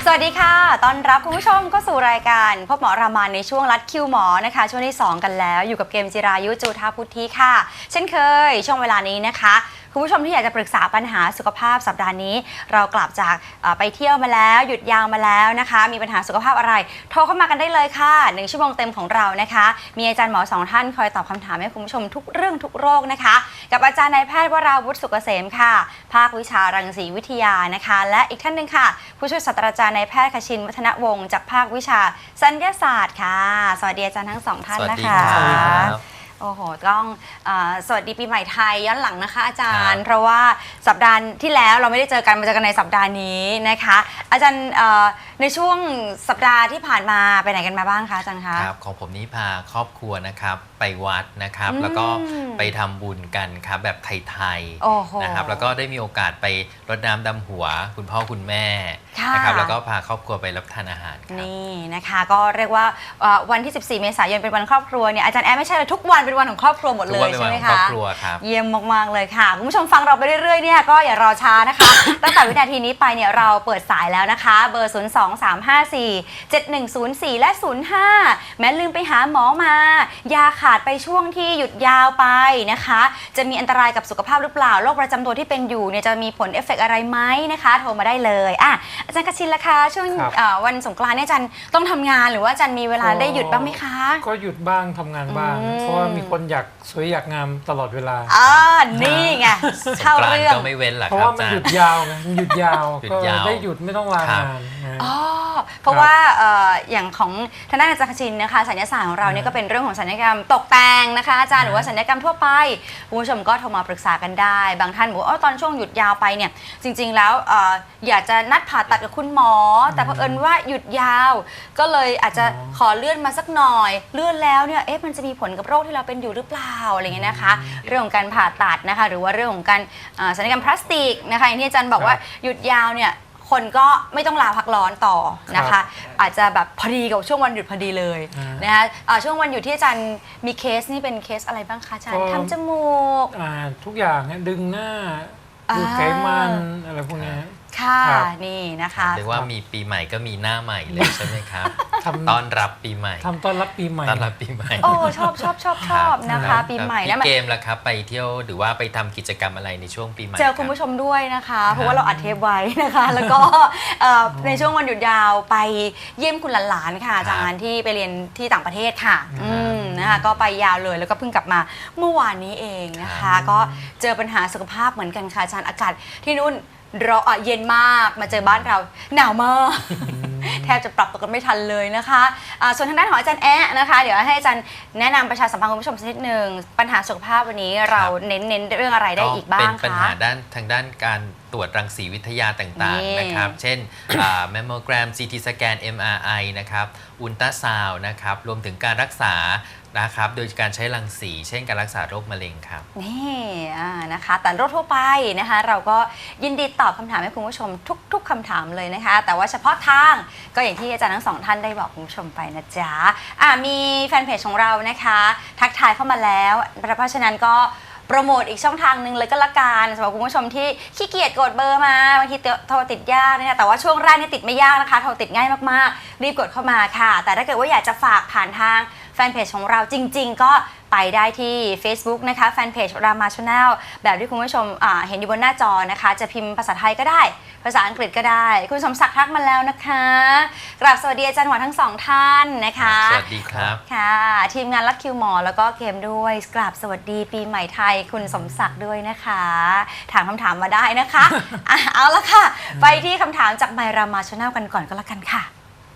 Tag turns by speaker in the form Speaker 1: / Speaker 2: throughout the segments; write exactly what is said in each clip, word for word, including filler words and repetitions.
Speaker 1: สวัสดีค่ะต้อนรับคุณผู้ชมเข้าสู่รายการพบหมอรามาในช่วงรัดคิวหมอนะคะช่วงที่สองกันแล้วอยู่กับเกมจิรายุจูธาพุทธิค่ะเช่นเคยช่วงเวลานี้นะคะคุณผู้ชมที่อยากจะปรึกษาปัญหาสุขภาพสัปดาห์นี้เรากลับจากไปเที่ยวมาแล้วหยุดยาวมาแล้วนะคะมีปัญหาสุขภาพอะไรโทรเข้ามากันได้เลยค่ะหนึ่งชั่วโมงเต็มของเรานะคะมีอาจารย์หมอสองท่านคอยตอบคำถามให้คุณผู้ชมทุกเรื่องทุกโรคนะคะกับอาจารย์นายแพทย์วราวุฒิสุกเกษมค่ะภาควิชารังสีวิทยานะคะและอีกท่านหนึ่งค่ะผู้ช่วยศาสตราจารย์นายแพทย์คชินวัฒนวงศ์จากภาควิชาสัญญาศาสตร์ค่ะสวัสดีอาจารย์ทั้งสองท่านนะคะสวัสดีครับโอ้โหต้องสวัสดีปีใหม่ไทยย้อนหลังนะคะอาจารย์เพราะว่าสัปดาห์ที่แล้วเราไม่ได้เจอกันมาเจอกันในสัปดาห์นี้นะคะอาจารย์ในช่วงสัปดาห์ที่ผ่านมาไปไหนกันมาบ้างคะอาจารย์คะ
Speaker 2: ครับของผมนี้พาครอบครัวนะครับไปวัดนะครับแล้วก็ไปทำบุญกันครับแบบไทยๆนะครับแล้วก็ได้มีโอกาสไปรดน้ำดำหัวคุณพ่อคุณแม่นะครับแล้วก็พาครอบครัวไปรับทานอาหาร
Speaker 1: นี่นะคะก็เรียกว่าวันที่สิบสี่เมษายนเป็นวันครอบครัวเนี่ยอาจารย์แอร์ไม่ใช่เลยทุกวันเป็นวันของครอบครัวหมดเลยใช่ไหมคะเยี่ยมมากๆเลยค่ะคุณผู้ชมฟังเราไปเรื่อยๆเนี่ยก็อย่ารอช้านะคะตั้งแต่วินาทีนี้ไปเนี่ยเราเปิดสายแล้วนะคะเบอร์ศูนย์ สอง สาม ห้า สี่ เจ็ด หนึ่ง ศูนย์ สี่และศูนย์ ห้าแม้ลืมไปหาหมอมายาขาดไปช่วงที่หยุดยาวไปนะคะจะมีอันตรายกับสุขภาพหรือเปล่าโรคประจำตัวที่เป็นอยู่เนี่ยจะมีผลเอฟเฟกต์อะไรไหมนะคะโทรมาได้เลยอ่ะอาจารย์กชินล่ะคะช่วงวันสงกรานต์เนี่ยอาจารย์ต้องทำงานหรือว่าอาจารย์มีเวลาได้หยุดบ้างไหมคะ
Speaker 3: ก็หยุดบ้างทำงานบ้างเพราะว่ามีคนอยากสวยอยากงามตลอดเวลา
Speaker 1: อ่านี่ไงเข้าเรื่อง
Speaker 2: ก็ไม่เว้นหรอก
Speaker 3: เพราะว่ามันหยุดยาวไงมันหยุดยาวก็ได้หยุดไม่ต้องลางาน
Speaker 1: อ๋อเพราะว่าอย่างของทางด้านอาจารย์กชินนะคะสัญญาศาสตร์ของเราเนี่ยก็เป็นเรื่องของสัญญกรรมตกแต่งนะคะอาจารย์หรือว่าสัญญกรรมทั่วไปคุณผู้ชมก็โทรมาปรึกษากันได้บางท่านบอกว่าตอนช่วงหยุดยาวไปเนี่ยจริงๆแล้วอยากจะนัดผ่าตัดกับคุณหมอแต่เผอิญว่าหยุดยาวก็เลยอาจจะขอเลื่อนมาสักหน่อยเลื่อนแล้วเนี่ยเอ๊ะมันจะมีผลกับโรคที่เราเป็นอยู่หรือเปล่าอะไรเงี้ยนะคะเรื่องของการผ่าตัดนะคะหรือว่าเรื่องของการศัลยกรรมพลาสติกนะคะอย่างที่อาจารย์บอกว่าหยุดยาวเนี่ยคนก็ไม่ต้องลาพักร้อนต่อนะคะอาจจะแบบพอดีกับช่วงวันหยุดพอดีเลยนะคะช่วงวันหยุดที่อาจารย์มีเคสนี่เป็นเคสอะไรบ้างคะอาจารย์ทำจมูก
Speaker 3: ทุกอย่างดึงหน้าดูไขมันอะไรพวกนี้
Speaker 1: ค่ะนี่นะคะ
Speaker 2: เรียกว่ามีปีใหม่ก็มีหน้าใหม่เลยใช่ไหมครับต้อนรับปีใหม่
Speaker 3: ทำต้อนรับปีใหม่
Speaker 2: ต้อนรับปีใหม่
Speaker 1: โอ้ชอบชอบชอบชอบนะคะปีใหม่
Speaker 2: แล้วเกมล่ะครับไปเที่ยวหรือว่าไปทำกิจกรรมอะไรในช่วงปีใหม่
Speaker 1: เจอคุณผู้ชมด้วยนะคะเพราะว่าเราอัดเทปไว้นะคะแล้วก็ในช่วงวันหยุดยาวไปเยี่ยมคุณหลานๆค่ะอาจารย์ที่ไปเรียนที่ต่างประเทศค่ะนะคะก็ไปยาวเลยแล้วก็เพิ่งกลับมาเมื่อวานนี้เองนะคะก็เจอปัญหาสุขภาพเหมือนกันค่ะอาจารย์อากาศที่นู่นร้อนเย็นมากมาเจอบ้านเราหนาวมากแทบจะปรับตัวกันไม่ทันเลยนะคะะส่วนทางด้านของอาจารย์แอะนะคะเดี๋ยวให้อาจารย์แนะนำประชาสัมพันธ์คุณผู้ชมสักนิดหนึ่งปัญหาสุขภาพวันนี้เราเน้นเน้นเรื่องอะไรได้อีกบ้างคะ
Speaker 2: เป็นปัญหาด้านทางด้านการตรวจรังสีวิทยาต่างๆนะครับเช่นแมมโมแกรม ซี ที สแกน เอ็ม อาร์ ไอ นะครับอุลตราซาวน์นะครับรวมถึงการรักษานะครับโดยการใช้รังสีเช่นการรักษาโรคมะเร็งครับ
Speaker 1: นี่นะคะแต่โรคทั่วไปนะคะเราก็ยินดีตอบคำถามให้คุณผู้ชมทุกๆคำถามเลยนะคะแต่ว่าเฉพาะทางก็อย่างที่อาจารย์ทั้งสองท่านได้บอกคุณผู้ชมไปนะจ๊ะะมีแฟนเพจของเรานะคะทักทายเข้ามาแล้วเพราะฉะนั้นก็โปรโมทอีกช่องทางหนึ่งเลยก็ละกันสำหรับคุณผู้ชมที่ขี้เกียจกดเบอร์มาบางทีโทรติดยากนะคะแต่ว่าช่วงแรกนี่ติดไม่ยากนะคะโทรติดง่ายมากๆรีบกดเข้ามาค่ะแต่ถ้าเกิดว่าอยากจะฝากผ่านทางแฟนเพจของเราจริงๆก็ไปได้ที่ Facebook นะคะแฟนเพจรามาชาแนลแบบที่คุณผู้ชมเห็นอยู่บนหน้าจอนะคะจะพิมพ์ภาษาไทยก็ได้ภาษาอังกฤษก็ได้คุณสมศักดิ์ทักมาแล้วนะคะกราบสวัสดีอาจารย์หมอทั้งสองท่านนะคะ
Speaker 2: สวัสดีครับ
Speaker 1: ค่ะทีมงานรัดคิวหมอแล้วก็เกมด้วยกราบสวัสดีปีใหม่ไทยคุณสมศักดิ์ด้วยนะคะถามคำถามมาได้นะคะอ่ะเอาละค่ะไปที่คำถามจากไมรามาชาแนลกันก่อนก็แล้วกันค่ะ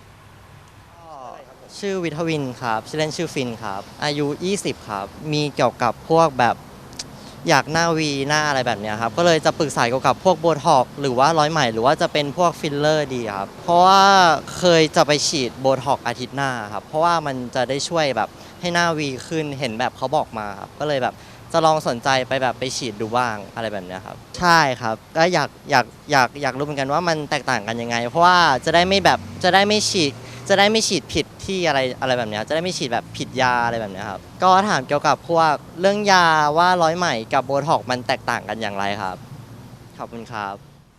Speaker 4: ชื่อวิทวินครับชื่อเล่นชื่อฟินครับอายุยี่สิบครับมีเกี่ยวกับพวกแบบอยากหน้าวีหน้าอะไรแบบนี้ครับก็เลยจะปรึกษาเกี่ยวกับพวกโบท็อกซ์หรือว่าร้อยไหมหรือว่าจะเป็นพวกฟิลเลอร์ดีครับเพราะว่าเคยจะไปฉีดโบท็อกซ์อาทิตย์หน้าครับเพราะว่ามันจะได้ช่วยแบบให้หน้าวีขึ้นเห็นแบบเขาบอกมาครับก็เลยแบบจะลองสนใจไปแบบไปฉีดดูบ้างอะไรแบบนี้ครับใช่ครับก็อยากอยากอยากอยากรู้เหมือนกันว่ามันแตกต่างกันยังไงเพราะว่าจะได้ไม่แบบจะได้ไม่ฉีดจะได้ไม่ฉีดผิดที่อะไรอะไรแบบนี้จะได้ไม่ฉีดแบบผิดยาอะไรแบบนี้ครับก็ถามเกี่ยวกับพวกเรื่องยาว่าร้อยไหมกับโบท็อกซ์มันแตกต่างกันอย่างไรครับขอบคุณครับ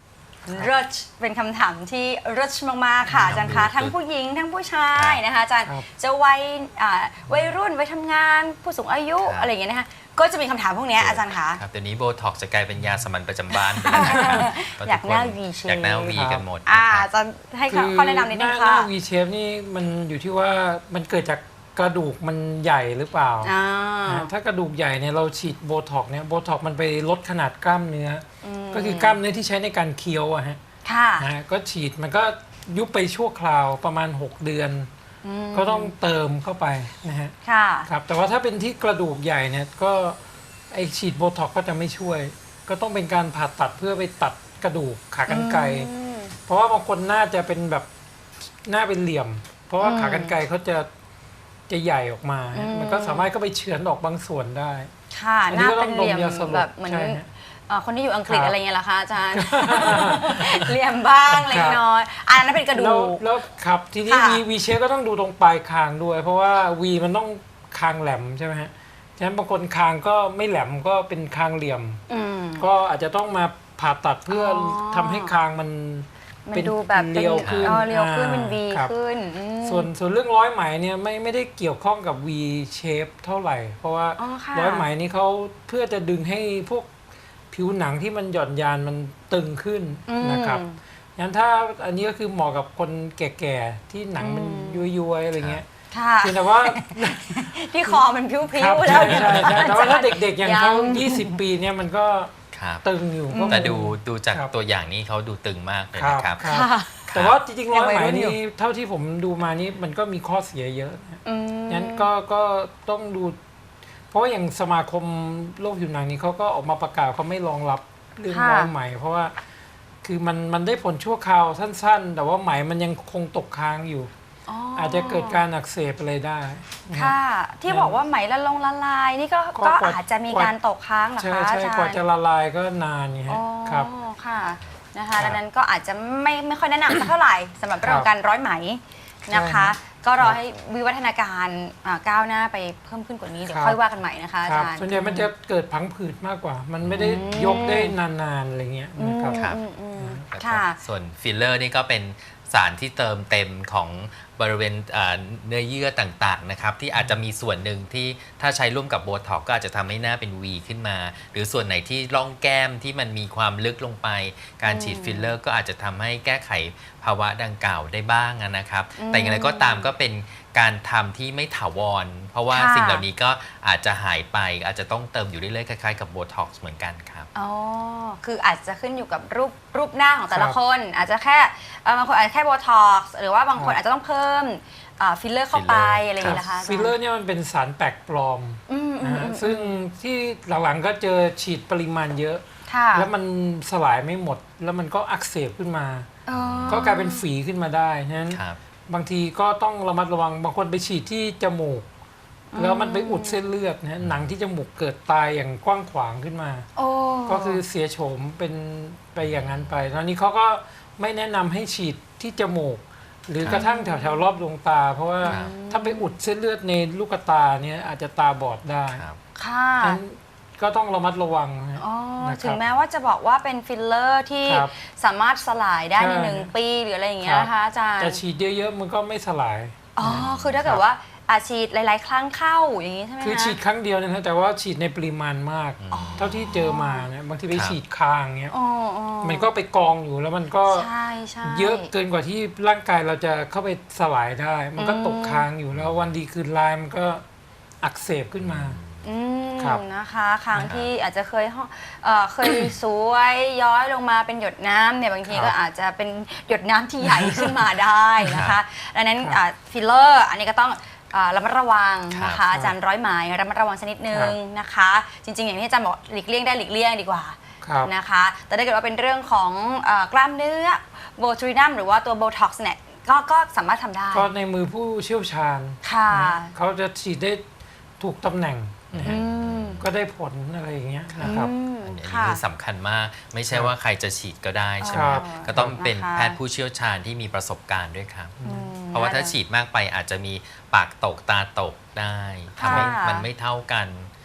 Speaker 1: rich เป็นคำถามที่ rich มากๆค่ะอาจารย์คะทั้งผู้หญิงทั้งผู้ชายนะคะอาจารย์
Speaker 3: ครับ
Speaker 1: จะวัยอ่าวัยรุ่นวัยทำงานผู้สูงอายุ
Speaker 2: ครับ
Speaker 1: อะไรอย่างเงี้ยนะคะก็จะมีคำถามพวกเนี้ยอาจารย์คะ
Speaker 2: ครับเดี๋ยวนี้โบท็อกซ์จะกลายเป็นยาสามัญประจำบ้านไปแล้วนะครับเพระ
Speaker 1: อยาก
Speaker 2: ทุค
Speaker 1: หน้า V shape
Speaker 2: อยากหน้าวีกันหมด
Speaker 1: อ่า
Speaker 2: นะครับ
Speaker 1: อาจารย์ให้ข้อแนะนำนิดนึง
Speaker 3: ห
Speaker 1: ค่ะ
Speaker 3: น้า V shape นี่มันอยู่ที่ว่ามันเกิดจากกระดูกมันใหญ่หรือเปล่า
Speaker 1: อ่า
Speaker 3: นะถ้ากระดูกใหญ่เนี่ยเราฉีดโบท็อกซ์เนี่ยโบท็อกซ์มันไปลดขนาดกล้ามเนื้ออ
Speaker 1: ม
Speaker 3: ก็คือกล้ามเนื้อที่ใช้ในการเคี้ยวอะฮะ
Speaker 1: ค่ะ
Speaker 3: นะฮะก็ฉีดมันก็ยุบไปชั่วคราวประมาณ หก เดือน
Speaker 1: ม
Speaker 3: ก็ต้องเติมเข้าไปนะฮะ
Speaker 1: ค่ะ
Speaker 3: ครับแต่ว่าถ้าเป็นที่กระดูกใหญ่เนี่ยก็ไอฉีดโบท็อกซ์ก็จะไม่ช่วย ก็ต้องเป็นการผ่าตัดเพื่อไปตัดกระดูกขากรรไกร
Speaker 1: อืม
Speaker 3: เพราะว่าบางคนหน้าจะเป็นแบบหน้าเป็นเหลี่ยม เพราะว่า
Speaker 1: อืม
Speaker 3: ขากรรไกรเขาจะจะใหญ่ออกมา
Speaker 1: อืม
Speaker 3: มันก็สามารถก็ไปเฉือนออกบางส่วนได้
Speaker 1: ค่ะ
Speaker 3: อัน
Speaker 1: ห
Speaker 3: นี้
Speaker 1: น้า
Speaker 3: ก็ต้
Speaker 1: เป็
Speaker 3: อน ง
Speaker 1: เหลี่ยม
Speaker 3: ดมยาสลบ
Speaker 1: แบบเหมือน
Speaker 3: ใช่ฮะ
Speaker 1: เอ่อคนที่อยู่อังกฤษ
Speaker 3: ครับ
Speaker 1: อะไรเงี้ยเหรอคะอาจารย์ เหลี่ยมบ้างเล็กน้อยอันนั้นเป็นกระดู
Speaker 3: แล้ว
Speaker 1: ก
Speaker 3: แล้วครับทีนี้
Speaker 1: ค่ะ
Speaker 3: วีวีเชฟก็ต้องดูตรงปลายคางด้วย เพราะว่าวีมันต้องคางแหลมใช่ไหมฮะฉะนั้นบางคนคางก็ไม่แหลมก็เป็นคางเหลี่ยม
Speaker 1: อืม
Speaker 3: ก็อาจจะต้องมาผ่าตัดเพื่ออ
Speaker 1: อ
Speaker 3: ทำให้คางมัน
Speaker 1: มัน
Speaker 3: เป็น
Speaker 1: ดูแบบเป็น
Speaker 3: เรียวขึ้น
Speaker 1: เออเรียวขึ้น
Speaker 3: อ่า
Speaker 1: เป็น V
Speaker 3: ครับ
Speaker 1: ขึ้นอืม
Speaker 3: ส่วนส่วนเรื่องร้อยไหมเนี่ยไม่ไม่ได้เกี่ยวข้องกับ V shape เท่าไหร่ เพราะว่า
Speaker 1: อ๋อค่ะ
Speaker 3: ร้อยไหมนี่เขาเพื่อจะดึงให้พวกผิวหนังที่มันหย่อนยานมันตึงขึ้น
Speaker 1: อืม
Speaker 3: นะครับงั้นถ้าอันนี้ก็คือเหมาะกับคนแก่ๆที่หนังมัน
Speaker 1: อืม
Speaker 3: ย้วยๆอะไรเงี้ย
Speaker 1: ค่ะ
Speaker 3: เพียงแต่ว่า
Speaker 1: ที่คอมันพิ้ว
Speaker 3: ครับ
Speaker 1: ๆแล้ว
Speaker 3: ใช่ใช่ใช่แต่ว่าถ้าเด็กๆ อย่างเขา
Speaker 1: ยัง
Speaker 3: ยี่สิบ ปีเนี่ยมันก็
Speaker 2: ครับ
Speaker 3: ตึงอยู่ก็
Speaker 2: แต่ดูดูจาก
Speaker 3: ครับ
Speaker 2: ตัวอย่างนี้เขาดูตึงมากเลย
Speaker 3: ครับ
Speaker 2: นะครับ
Speaker 3: ครับ
Speaker 1: ค่ะ
Speaker 3: แต่ว่าจริงๆร้อยไหม
Speaker 1: ยังวัยรุ่นอยู่
Speaker 3: นี่เท่าที่ผมดูมานี่มันก็มีข้อเสียเยอะนะ
Speaker 1: อืม
Speaker 3: งั้นก็ก็ต้องดู เพราะว่าอย่างสมาคมโรคผิวหนังนี้เขาก็ออกมาประกาศเขาไม่รองรับเรื่อง
Speaker 1: ค่ะ
Speaker 3: ร้อยไหม เพราะว่าคือมันมันได้ผลชั่วคราวสั้นๆ แต่ว่าไหมมันยังคงตกค้างอยู่
Speaker 1: อ๋อ
Speaker 3: อาจจะเกิดการอักเสบอะไรได้นะ
Speaker 1: ค่ะ ที่บอกว่าไหมละลงละลาย นี่ก็
Speaker 3: ก็
Speaker 1: ก็
Speaker 3: กว่า
Speaker 1: อาจจะมีการตกค้างเหรอ
Speaker 3: ใช่
Speaker 1: คะอา
Speaker 3: ใช่
Speaker 1: จารย์
Speaker 3: กว่าจะละลายก็นานไง
Speaker 1: อ๋อ
Speaker 3: ฮะครับ
Speaker 1: ค่ะนะคะ
Speaker 3: ครับ
Speaker 1: ดังนั้นก็อาจจะไม่ไม่ค่อยแนะนำสักเท่าไหร่สำหรับเรื่องของการร้อยไหมนะคะ
Speaker 3: ใช่
Speaker 1: ก็รอ
Speaker 3: ครับ
Speaker 1: ให้วิวัฒนาการอ่าก้าวหน้าไปเพิ่มขึ้นกว่านี้เดี๋ยว
Speaker 3: ครับ
Speaker 1: ค่อยว่ากันใหม่นะคะอา
Speaker 3: ครับ
Speaker 1: จารย์
Speaker 3: ส่วนใหญ่มันจะเกิดพังผืดมากกว่า มันไม่ได้
Speaker 1: อืม
Speaker 3: ยกได้นานๆอะไรเงี้ย
Speaker 1: อืม
Speaker 3: นะครับ
Speaker 2: ครับ
Speaker 1: อืมอืม
Speaker 2: แล้วก็
Speaker 1: ค่ะ
Speaker 2: ส่วนฟิลเลอร์นี่ก็เป็นสารที่เติมเต็มของบริเวณอ่าเนื้อเยื่อต่างๆนะครับที่อาจจะมีส่วนหนึ่งที่ถ้าใช้ร่วมกับโบท็อกก็อาจจะทำให้หน้าเป็น V ขึ้นมา หรือส่วนไหนที่ร่องแก้มที่มันมีความลึกลงไป การฉีดฟิลเลอร์ก็อาจจะทำให้แก้ไขภาวะดังกล่าวได้บ้างนะครับ
Speaker 1: อืม
Speaker 2: แต่อย่างไรก็ตามก็เป็นการทำที่ไม่ถาวร เพราะว่า
Speaker 1: ค่ะ
Speaker 2: สิ่งเหล่านี้ก็อาจจะหายไป อาจจะต้องเติมอยู่เรื่อยๆคล้ายๆกับโบท็อกซ์เหมือนกันครับ
Speaker 1: อ๋อ คืออาจจะขึ้นอยู่กับรูปรูปหน้าของแต่ละ
Speaker 3: ครับ
Speaker 1: คน อาจจะแค่เอ่อบางคนอาจจะแค่โบท็อกซ์หรือว่าบางคน
Speaker 3: ครับ
Speaker 1: อาจจะต้องเพิ่มฟิลเลอร์เข้าไป
Speaker 2: filler
Speaker 1: อะไรอย่างนี้นะคะาจารย์
Speaker 3: ฟิลเลอร์เนี่ยมันเป็นสารแปลกปลอม
Speaker 1: อืมอื
Speaker 3: นะ
Speaker 1: ม
Speaker 3: ฮะ
Speaker 1: อืม
Speaker 3: ซึ่งที่หลังๆก็เจอฉีดปริมาณเยอะ
Speaker 1: ค่ะ
Speaker 3: แล้วมันสลายไม่หมด แล้วมันก็อักเสบขึ้นมา
Speaker 1: อ๋อ
Speaker 3: ก็กลายเป็นฝีขึ้นมาได้ฉะนั้น
Speaker 2: ครับ
Speaker 3: บางทีก็ต้องระมัดระวังบางคนไปฉีดที่จมูก แล้วมันไปอุดเส้นเลือดนะฮะหนังที่จมูกเกิดตายอย่างกว้างขวางขึ้นมา
Speaker 1: โอ้
Speaker 3: ก็คือเสียโฉมเป็นไปอย่างนั้นไปตอนนี้เขาก็ไม่แนะนำให้ฉีดที่จมูก หรือกระทั่งแถวแถวๆรอบดวงตา เพราะว่า
Speaker 2: ครับ
Speaker 3: ถ้าไปอุดเส้นเลือดในลูกตาเนี่ยอาจจะตาบอดได้
Speaker 2: ครับ
Speaker 1: ค่ะ
Speaker 3: ฉะนั้นก็ต้องระมัดระวังนะฮะ
Speaker 1: อ๋อ
Speaker 3: นะครับ
Speaker 1: ถึงแม้ว่าจะบอกว่าเป็นฟิลเลอร์ที่
Speaker 3: ครับ
Speaker 1: สามารถสลายได้ใน
Speaker 3: ใช่
Speaker 1: หนึ่งปีหรืออะไรอย่างเงี้ย
Speaker 3: ครับ
Speaker 1: นะคะอาจารย์
Speaker 3: แต่ฉีดเยอะๆมันก็ไม่สลาย
Speaker 1: อ๋อ คือถ้าเกิดว่าอาฉีดหลาย ๆ ครั้งเข้าอย่างนี้ใช่ไหมคะ
Speaker 3: คือฉีดครั้งเดียวนะฮะแต่ว่าฉีดในปริมาณมาก
Speaker 2: อ๋อ
Speaker 3: เท่าที่เจอมานะบางทีไป
Speaker 2: ครับ
Speaker 3: ฉีดคางเงี้ย
Speaker 1: อ๋ออ๋อ
Speaker 3: มันก็ไปกองอยู่แล้วมันก็
Speaker 1: ใช่ใช่
Speaker 3: เยอะเกินกว่าที่ร่างกายเราจะเข้าไปสลายได้ มันก็
Speaker 1: อืม
Speaker 3: ตกค้างอยู่แล้ววันดีคืนร้ายมันก็อักเสบขึ้นมา
Speaker 1: อืม
Speaker 3: ครับ
Speaker 1: นะคะครั้ง
Speaker 2: นะครับ
Speaker 1: ที่อาจจะเคยห้องเอ่อเคย สวยย้อยลงมาเป็นหยดน้ำเนี่ยบางที
Speaker 3: ครับ
Speaker 1: ก็อาจจะเป็นหยดน้ำที่ใหญ่ขึ้นมาได้นะ
Speaker 2: ครั
Speaker 1: คะ
Speaker 2: บ
Speaker 1: ดังนั้น
Speaker 3: ครับ
Speaker 1: อ่าฟิลเลอร์อันนี้ก็ต้องอ่าระมัดระวังนะ
Speaker 2: ครั
Speaker 1: คะ
Speaker 2: บ
Speaker 1: อาจารย์ร้อยไหมระมัดระวังสักนิดนึงนะคะ จริง ๆ อย่างที่อาจารย์บอกหลีกเลี่ยงได้หลีกเลี่ยงดีกว่า
Speaker 3: ครับ
Speaker 1: นะคะ แต่ถ้าเกิดว่าเป็นเรื่องของเอ่อกล้ามเนื้อโบทูรินัมหรือว่าตัวโบท็อกซ์เนี่ยก็ก็สามารถทำได้
Speaker 3: ก็ในมือผู้เชี่ยวชาญ
Speaker 1: ค่ะ
Speaker 3: นะเขาจะฉีดได้ถูกตำแหน่งนะฮะ
Speaker 1: อืม
Speaker 3: ก็ได้ผลอะไรอย่างเงี้ยนะครับ
Speaker 1: อืม
Speaker 2: อันนี้
Speaker 1: ค่ะ
Speaker 2: คือสำคัญมาก ไม่ใช่
Speaker 3: ครับ
Speaker 2: ว่าใครจะฉีดก็ได้ใช่ไหม
Speaker 3: ครับ
Speaker 2: ก็ต้องเป็น
Speaker 1: นะคะ
Speaker 2: แพทย์ผู้เชี่ยวชาญที่มีประสบการณ์ด้วยครับ
Speaker 1: อืม
Speaker 2: เพราะว่าถ้าฉีดมากไปอาจจะมีปากตกตาตกได้ทำให้
Speaker 1: ค่ะ
Speaker 2: มันไม่เท่ากัน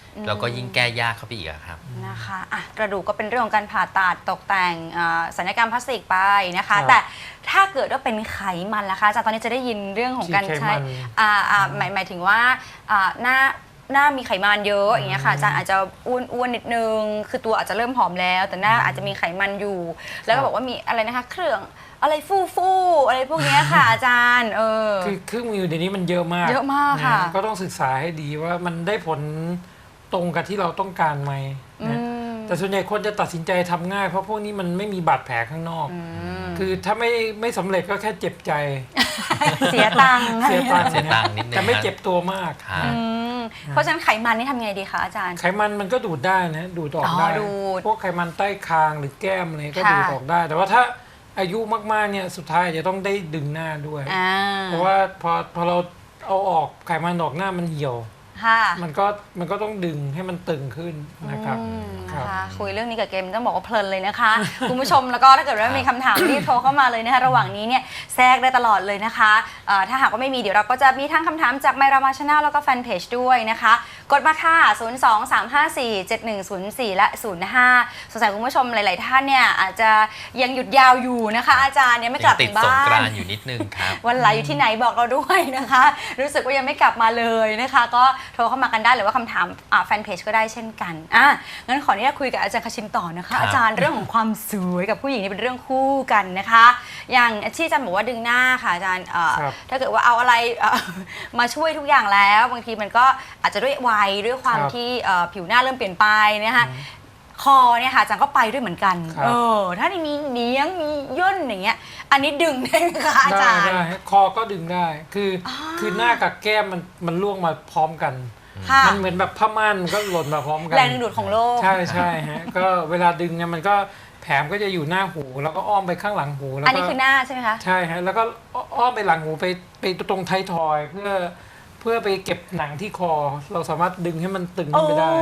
Speaker 2: แล้วก็ยิ่งแก้ยากเข้าไปอีกอะครับ
Speaker 1: นะคะอ่ะกระดูกก็เป็นเรื่องของการผ่าตัดตกแต่งอ่าศัลยกรรมพลาสติกไปนะ
Speaker 3: ครั
Speaker 1: คะ
Speaker 3: บ
Speaker 1: แต่ถ้าเกิดว่าเป็นไขมันล่ะคะอาจารย์ตอนนี้จะได้ยินเรื่องของการ
Speaker 3: ฉีดไข
Speaker 1: ใช้
Speaker 3: มัน
Speaker 1: อ่าอ่าหมายหมายถึงว่าอ่าหน้าหน้ามีไขมันเยอะอย่างเงี้ยค่ะอาจารย์อาจจะอ้วนอ้วนนิดนึงคือตัวอาจจะเริ่มผอมแล้ว แต่หน้าอาจจะมีไขมันอยู่ แล้วก็บอกว่ามีอะไรนะคะเครื่องอะไรฟูฟูๆอะไรพวกเนี้ยค่ะ อาจารย์เออ
Speaker 3: คือเครื่องมือเดี๋ยวนี้มันเยอะมาก
Speaker 1: เยอะมากค่ะ
Speaker 3: นก็ต้องศึกษาให้ดีว่ามันได้ผลตรงกับที่เราต้องการไหม
Speaker 1: อื
Speaker 3: นะ
Speaker 1: ม
Speaker 3: แต่ส่วนใหญ่คนจะตัดสินใจทำง่ายเพราะพวกนี้มันไม่มีบาดแผลข้างนอก
Speaker 1: อืม
Speaker 3: คือถ้าไม่ไม่สำเร็จก็แค่เจ็บใจ
Speaker 1: เสียตังค์
Speaker 3: เสียตังค์
Speaker 2: เสียตังค์นิดนึง
Speaker 3: แต่ไม่เจ็บตัวมาก
Speaker 2: ครับ
Speaker 1: อืมเพราะฉะนั้นไขมันนี่ทำไงดีคะอาจารย์
Speaker 3: ไขมันมันก็ดูดได้นะดูดออก
Speaker 1: อ๋อ
Speaker 3: ได้
Speaker 1: ดูด
Speaker 3: พวกไขมันใต้คางหรือแก้มอะไรก็
Speaker 1: ค่ะ
Speaker 3: ดูดออกได้ แต่ว่าถ้าอายุมากๆเนี่ยสุดท้ายจะต้องได้ดึงหน้าด้วย
Speaker 1: อ่า
Speaker 3: เพราะว่าพอพอเราเอาออกไขมันออกหน้ามันเหี่ยว
Speaker 1: ค่ะ
Speaker 3: มันก็มันก็ต้องดึงให้มันตึงขึ้นนะครับ
Speaker 1: อืม
Speaker 3: ครั
Speaker 1: นะ
Speaker 3: บ
Speaker 1: คะคุยเรื่องนี้กับเกมต้องบอกว่าเพลินเลยนะคะ คุณผู้ชมแล้วก็ถ้าเกิดว่ามีคำถามรีบโทรเข้ามาเลยนะคะระหว่างนี้เนี่ยแทรกได้ตลอดเลยนะคะเอ่อถ้าหากว่าไม่มีเดี๋ยวเราก็จะมีทั้งคำถามจากไมรามาชาแนลแล้วก็แฟนเพจด้วยนะคะ กดมาค่ะ ศูนย์ สอง สาม ห้า สี่ เจ็ด หนึ่ง ศูนย์ สี่ และ ศูนย์ ห้า สงสัยคุณผู้ชมหลาย ๆ ท่านเนี่ยอาจจะยังหยุดยาวอยู่นะคะ อาจารย์เนี่ยไม่กลับ
Speaker 2: ติ
Speaker 1: ถึ
Speaker 2: ด
Speaker 1: ง
Speaker 2: สง
Speaker 1: บ้าก
Speaker 2: ราน นต์อยู่นิดนึงครับ
Speaker 1: วันไหลอยู่ที่ไหนบอกเราด้วยนะคะ รู้สึกว่ายังไม่กลับมาเลยนะคะ ก็โทรเข้ามากันได้หรือว่าคำถามอ่าแฟนเพจก็ได้เช่นกันอ่ะงั้นขออนุญาตคุยกับอาจารย์คชินต่อนะคะ
Speaker 2: ครับ
Speaker 1: อาจารย์เรื่องของความสวยกับผู้หญิงนี่เป็นเรื่องคู่กันนะคะ อย่างที่อาจารย์บอกว่าดึงหน้าค่ะอาจารย์เอ่อ
Speaker 3: ครับ
Speaker 1: ถ้าเกิดว่าเอาอะไรเอ่อ มาช่วยทุกอย่างแล้ว บางทีมันก็อาจจะด้วยวัยด้วยความ
Speaker 3: ครับ
Speaker 1: ที่เอ่อผิวหน้าเริ่มเปลี่ยนไปนะคะคอเนี่ยค่ะอาจารย์ก็ไปด้วยเหมือนกัน
Speaker 3: ครับ
Speaker 1: เออถ้ามีเนียงมีย่นอย่างเงี้ยอันนี้ดึงได้ไหมคะอา
Speaker 3: ได้
Speaker 1: จารย์
Speaker 3: ได้คอก็ดึงได้ คืออคือหน้ากับแก้มมันมันล่วงมาพร้อมกัน
Speaker 1: ค่ะ
Speaker 3: มันเหมือนแบบผ้าม่านมันก็หล่นมาพร้อมกัน
Speaker 1: แรงดึงดูดของโลก
Speaker 3: ใช่ใช่ฮะ ก็เวลาดึงเนี่ยมันก็แผลมก็จะอยู่หน้าหู แล้วก็อ้อมไปข้างหลังหูแล้ว
Speaker 1: อัน
Speaker 3: ก็
Speaker 1: นี้คือหน้าใช่ไหมคะ
Speaker 3: ใช่ฮะแล้วก็อ้อมไปหลังหูไปไปตรงไทยทอยเพื่อเพื่อไปเก็บหนังที่คอ เราสามารถดึงให้มันตึงขึ้นไปได้
Speaker 1: โอ้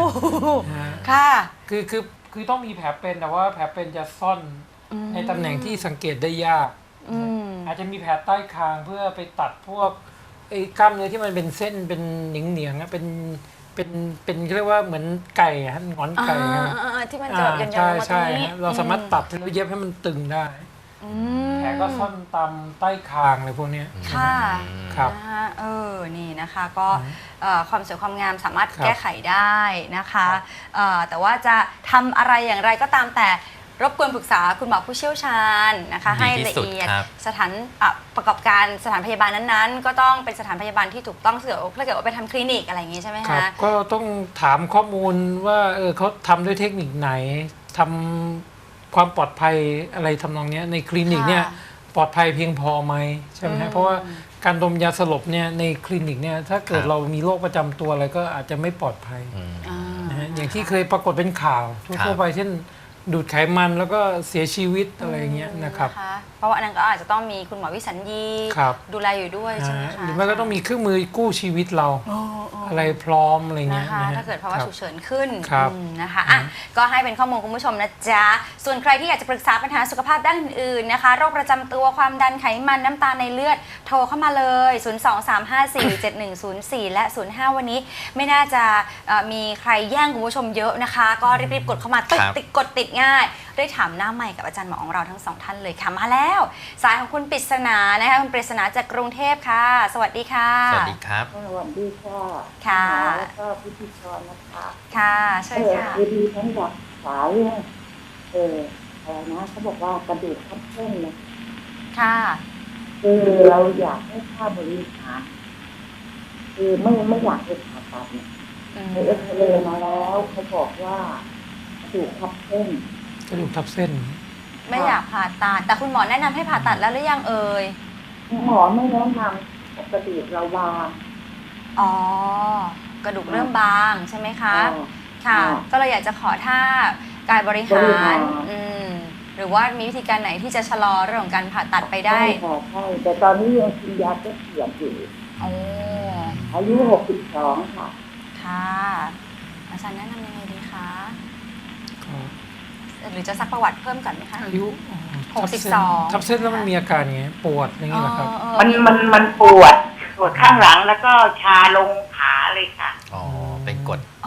Speaker 3: นะฮะ
Speaker 1: ค่ะ
Speaker 3: คือคือคือต้องมีแผลเป็นแต่ว่าแผลเป็นจะซ่อนในตำแหน่งที่สังเกตได้ยาก
Speaker 1: อืม
Speaker 3: อาจจะมีแผลใต้คางเพื่อไปตัดพวกไอ้กล้ามเนื้อที่มันเป็นเส้นเป็นเหนียงเหนียงๆอะเป็นเป็นเป็นเรียกว่าเหมือนไก่ฮะหงอนไก่
Speaker 1: อ่า
Speaker 3: ฮะ
Speaker 1: อ่าอ่าที่มันจะแบบยันๆล
Speaker 3: ใช่
Speaker 1: งมาตร
Speaker 3: ใช่
Speaker 1: งนี้
Speaker 3: ฮะเราสามารถตัดแล้วเย็บให้มันตึงได้
Speaker 1: อืม
Speaker 3: แผลก็ซ่อนตามใต้คางอะไรพวกเนี้ย
Speaker 1: ค่ะ
Speaker 3: ครับ
Speaker 1: นะคะเออนี่นะคะก็เอ่อความสวยความงามสามารถ
Speaker 3: ครับ
Speaker 1: แก้ไขได้นะคะ
Speaker 3: ครับ
Speaker 1: เอ่อแต่ว่าจะทำอะไรอย่างไรก็ตามแต่รบกวนปรึกษาคุณหมอผู้เชี่ยวชาญนะคะ
Speaker 2: ดี
Speaker 1: ให้
Speaker 2: ที่
Speaker 1: ละ
Speaker 2: สุด
Speaker 1: เอียด
Speaker 2: ครับ
Speaker 1: สถานอ่ะประกอบการสถานพยาบาลนั้นๆ ก็ต้องเป็นสถานพยาบาลที่ถูกต้องเสือถ้าเกิดว่าไปทำคลินิกอะไรอย่างงี้ใช่ไหม
Speaker 3: ครั
Speaker 1: คะ
Speaker 3: บก็ต้องถามข้อมูลว่าเออเขาทำด้วยเทคนิคไหนทำความปลอดภัยอะไรทำนองเนี้ยในคลินิกเนี่ย
Speaker 1: ค่ะ
Speaker 3: ปลอดภัยเพียงพอไหมใช่ไหม
Speaker 1: อื
Speaker 3: ฮะ
Speaker 1: ม
Speaker 3: เพราะว่าการดมยาสลบเนี่ยในคลินิกเนี่ยถ้าเกิด
Speaker 2: ครับ
Speaker 3: เรามีโรคประจำตัวอะไรก็อาจจะไม่ปลอดภัย
Speaker 2: อืม
Speaker 1: อ่า
Speaker 3: นะฮะอย่างที่เคยปรากฏเป็นข่าว
Speaker 2: ครั
Speaker 3: ทั่ว
Speaker 2: บ
Speaker 3: ๆไปเช่นดูดไขมันแล้วก็เสียชีวิตอะไรอย่างเงี้ยนะครับ
Speaker 1: เพราะว่าอันนั้นก็อาจจะต้องมีคุณหมอวิสัญญี
Speaker 3: ครับ
Speaker 1: ดูแลอยู่ด้วยใช่ไหม
Speaker 3: นะฮะ
Speaker 1: คะ
Speaker 3: หรือไม่ก็ต้องมีเครื่องมือกู้ชีวิตเรา
Speaker 1: โอ้โอ้
Speaker 3: อะไรพร้อมอะไรเงี้
Speaker 1: นะ
Speaker 3: ย
Speaker 1: คะ
Speaker 3: นะฮะ
Speaker 1: ถ้าเกิดภาวะ
Speaker 3: ครับ
Speaker 1: ฉุกเฉินขึ้น
Speaker 3: ครับ
Speaker 1: อืมนะคะอ่ะก็ให้เป็นข้อมูลคุณผู้ชมนะจ๊ะ ส่วนใครที่อยากจะปรึกษาปัญหาสุขภาพด้านอื่นๆนะคะ โรคประจำตัวความดันไขมันน้ำตาลในเลือดโทรเข้ามาเลย ศูนย์ สอง สาม ห้า สี่ เจ็ด หนึ่ง ศูนย์ สี่ และ ศูนย์ ห้า วันนี้ไม่น่าจะเอ่อมีใครแย่งคุณผู้ชมเยอะนะคะ ก็รีบๆกดเข้ามาติด
Speaker 2: ครับ
Speaker 1: ติดกดติดง่ายได้ถามหน้าใหม่กับอาจารย์หมอของเราทั้งสองท่านเลยค่ะมาแล้ว สายของคุณปริศนานะคะคุณปริศนาจากกรุงเทพค่ะ สวัสดีค่ะ
Speaker 2: สวัสดีครับ
Speaker 5: สวัสดีค่ะ
Speaker 1: ค่ะ
Speaker 5: หมอแล้วก็พิธีกรนะคะ
Speaker 1: ค่ะเชิ
Speaker 5: เอ
Speaker 1: ญ
Speaker 5: อ
Speaker 1: ค่ะ
Speaker 5: คือดีทั้งอยากศึกษาเรื่องเอออะไรนะเขาบอกว่ากระดูกทับเส้นเนี่ย
Speaker 1: ค่ะ
Speaker 5: คือเราอยากให้ค่าบริหารคือไม่ไม่อยากไปผ่าตัดเนี่ย
Speaker 1: อืม
Speaker 5: ไปเอ็กซเรย์มาแล้วเขาบอกว่ากระดูกทับเส้น
Speaker 3: กระดูกทับเส้น
Speaker 1: ไม่อยากผ่าตัดแต่คุณหมอแนะนำให้ผ่าตัดแล้วหรือยังเอ่ย
Speaker 5: หมอไม่แนะนำปกติเราวาง
Speaker 1: อ๋อกระดูกเริ่มบางใช่ไหมคะ
Speaker 5: อ๋อ
Speaker 1: ค่ะ
Speaker 5: อ๋อ
Speaker 1: ก็เลยอยากจะขอท่ากายบริ
Speaker 5: บริ
Speaker 1: หา
Speaker 5: หาร ร
Speaker 1: อืมหรือว่ามีวิธีการไหนที่จะชะลอเรื่องของการผ่าตัดไปได้
Speaker 5: ใช่ค่ะใช่แต่ตอนนี้ยังกินยาแก้เสียดอยู่
Speaker 1: โอ้
Speaker 5: อายุหกสิบสองค่ะ
Speaker 1: ค่ะ อาจารย์แนะนำยังไงดีคะ
Speaker 3: ก็
Speaker 1: หรือจะซักประวัติเพิ่มก่อนไหมคะ
Speaker 3: อายุอ๋อ
Speaker 1: หกสิบสอง
Speaker 3: ทับเส้นแล้วมันมีอาการไงปวดอย่างเงี้ยเหรอครับ
Speaker 1: เออ
Speaker 5: มันมันมันปวดปวดข้างหลังแล้วก็ชาลงขาเลยค่ะ
Speaker 2: อ๋อ เป็นกรด